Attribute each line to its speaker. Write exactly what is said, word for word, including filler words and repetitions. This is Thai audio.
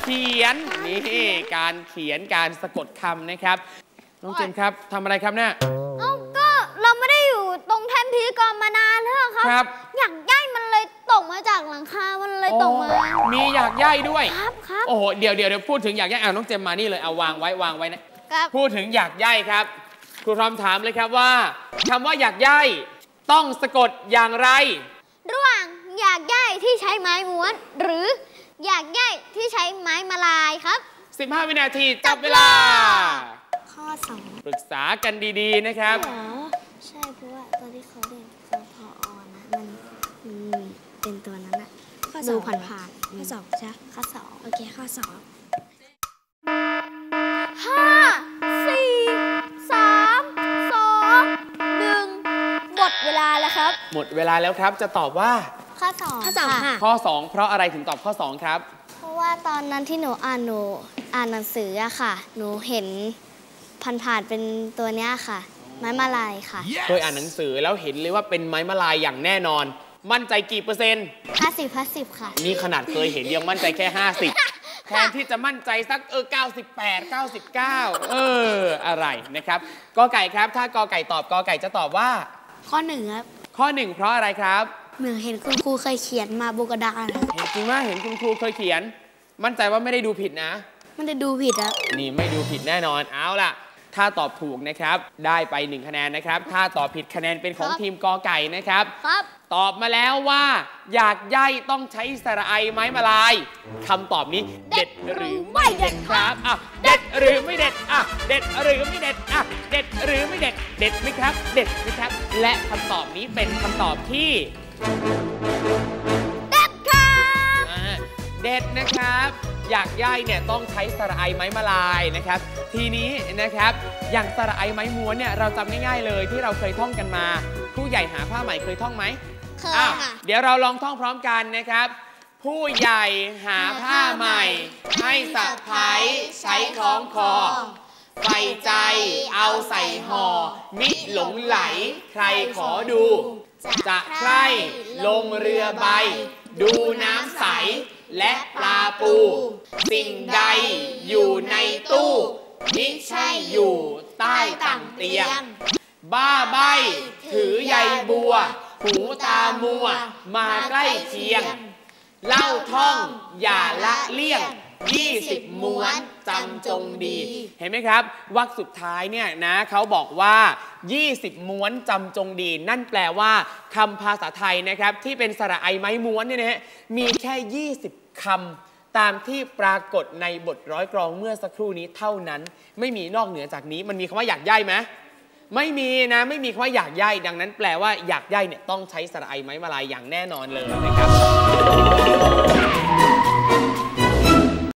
Speaker 1: เขียนนี่การเขียนการสะกดคำนะครับน้องเจมครับทำอะไรครับเนี่ย
Speaker 2: เอ้าก็เราไม่ได้อยู่ตรงแท่นพิธีกรมานานแล้วครับอยากย่ายมันเลยตกมาจากหลังคามันเลยตกมา
Speaker 1: มีอยากย่ายด้วย
Speaker 2: ครับครับ
Speaker 1: โอ้โหเดี๋ยวเดี๋ยวเดี๋ยวพูดถึงอยากย่ายเอาน้องเจมมานี่เลยเอาวางไว้วางไว้นะครับพูดถึงอยากย่ายครับครูพร้อมถามเลยครับว่าคำว่าอยากย่ายต้องสะกดอย่างไร
Speaker 2: ระหว่างอยากย่ายที่ใช้ไม้ม้วนหรืออยากย่ายที่ใช้ไม้มาลายครับ
Speaker 1: สิบห้าวินาทีจับเวลา
Speaker 2: ข้อสอง
Speaker 1: ปรึกษากันดีๆนะครับ
Speaker 2: ใช่เพราะว่าตอนที่เขาเรียนคพอนะมันมันเป็นตัวนั้นอะดูผ่านๆข้อสองใช่ข้อสองโอเคข้อสองห้าสี่สามสองหนึ่งหมดเวลาแล้วครับ
Speaker 1: หมดเวลาแล้วครับจะตอบว่า
Speaker 2: ข้อสอง
Speaker 3: ข้อสองค่ะ
Speaker 1: ข้อสองเพราะอะไรถึงตอบข้อสองครับ
Speaker 2: เพราะว่าตอนนั้นที่หนูอ่านหนูอ่านหนังสืออะค่ะหนูเห็นผ่านๆเป็นตัวเนี้ยค่ะไม้มาลายค่ะ
Speaker 1: เคยอ่านหนังสือแล้วเห็นเลยว่าเป็นไม้มาลายอย่างแน่นอนมั่นใจกี่เปอร์เซ็นต์
Speaker 2: ห้าสิบห้าสิบค่ะ
Speaker 1: นี่ขนาดเคยเห็นยังมั่นใจแค่ห้าสิบแทนที่จะมั่นใจสักเออเก้าสิบแปด เก้าสิบเก้าเอออะไรนะครับกอไก่ครับถ้ากอไก่ตอบกอไก่จะตอบว่า
Speaker 2: ข้อหนึ่งครับ
Speaker 1: ข้อหนึ่งเพราะอะไรครับ
Speaker 2: เหมือนเห็นคุณครูเคยเขียนมาบนกระดาน
Speaker 1: เห็นจริงว่าเห็นคุณครูเคยเขียนมั่นใจว่าไม่ได้ดูผิดนะ
Speaker 2: มันจะดูผิดครับ
Speaker 1: นี่ไม่ดูผิดแน่นอนเอาล่ะถ้าตอบถูกนะครับได้ไปหนึ่งคะแนนนะครับถ้าตอบผิดคะแนนเป็นของทีมกอไก่นะครับ
Speaker 2: ครับ
Speaker 1: ตอบมาแล้วว่าอยากย่ายต้องใช้สระไอไม้มาลายคำตอบนี้เด็ดหรือไม่เด็ดครับอ่ะเด็ดหรือไม่เด็ดอ่ะเด็ดหรือไม่เด็ดอ่ะเด็ดหรือไม่เด็ดเด็ดไหมครับเด็ดไหมครับและคำตอบนี้เป็นคำตอบที่
Speaker 2: เด็ดครับ
Speaker 1: เด็ดนะครับอยากย่ายเนี่ยต้องใช้สระไอไม้มาลายนะครับทีนี้นะครับอย่างสระไอไม้ม้วนเนี่ยเราจำง่ายๆเลยที่เราเคยท่องกันมาผู้ใหญ่หาผ้าใหม่เคยท่องไหม
Speaker 2: เคยค่ะ
Speaker 1: เดี๋ยวเราลองท่องพร้อมกันนะครับผู้ใหญ่หาผ้าใหม่ให้สะพ้ายใช้คล้องคอใส่ใจเอาใส่ห่อมิหลงไหลใครขอดูจะใคร่ลงเรือใบดูน้ำใสและปลาปูสิ่งใดอยู่ในตู้มิใช่อยู่ใต้ต่างเตียงบ้าใบถือใยบัวหูตามัวมาใกล้เคียงเล่าท่องอย่าละเลี่ยงยี่สิบม้วนจำจงดีเห็นไหมครับวรรคสุดท้ายเนี่ยนะเขาบอกว่ายี่สิบม้วนจำจงดีนั่นแปลว่าคำภาษาไทยนะครับที่เป็นสระไอไม้ม้วนเนี่ยนะฮะมีแค่ยี่สิบคำตามที่ปรากฏในบทร้อยกลองเมื่อสักครู่นี้เท่านั้นไม่มีนอกเหนือจากนี้มันมีคำว่าอยากย่ายไหมไม่มีนะไม่มีคำว่าอยากย่ายดังนั้นแปลว่าอยากย่ายเนี่ยต้องใช้สระไอไม้มาลายอย่างแน่นอนเลยนะครับ